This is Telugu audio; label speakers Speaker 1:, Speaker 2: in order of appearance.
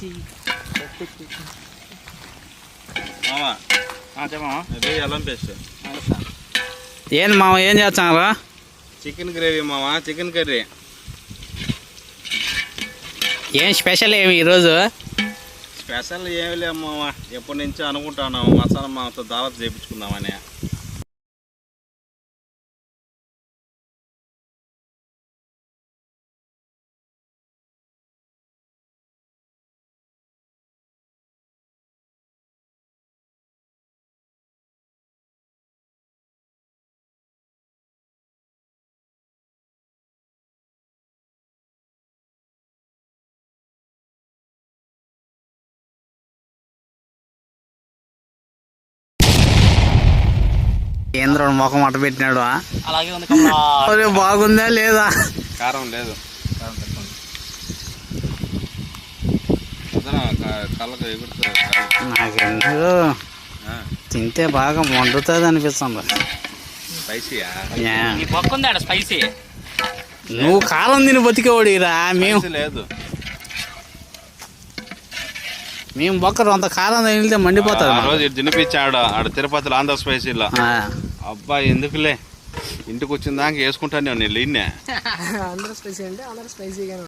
Speaker 1: అల్లం పేస్ట్
Speaker 2: ఏంది మామ ఏం చేస్తారా?
Speaker 1: చికెన్ గ్రేవీ మామ, చికెన్ కర్రీ.
Speaker 2: ఏం స్పెషల్ ఏమి ఈరోజు?
Speaker 1: స్పెషల్ ఏమి లేవు మామ, ఎప్పటి నుంచో అనుకుంటాను మసాలా మామతో దావత్ చేయించుకుందామని.
Speaker 2: కేంద్రం ముఖం అట్ట పెట్టినాడు.
Speaker 3: అలాగే ఉంది.
Speaker 2: బాగుందా లేదా?
Speaker 1: కారం లేదు, కళ్ళకు ఎగురుతుంది.
Speaker 2: నాకెందుకు తింటే బాగా మండుతుంది అనిపిస్తుంది.
Speaker 1: స్పైసీయా?
Speaker 3: నీ పక్కుందా స్పైసీ?
Speaker 2: నువ్వు కారం తిని బతికేవాడిరా. మేము
Speaker 1: లేదు,
Speaker 2: మేము బొక్కరు అంత కారం తింటే మండిపోతుంది.
Speaker 1: రోజు తినిపించాడు ఆడ తిరుపతిలో ఆంధ్ర స్పైసీలో. అబ్బా ఎందుకులే, ఇంటికి వచ్చిన దాకా వేసుకుంటాను నేను. ఆంధ్ర స్పైసీ అంటే ఆంధ్ర స్పైసీగా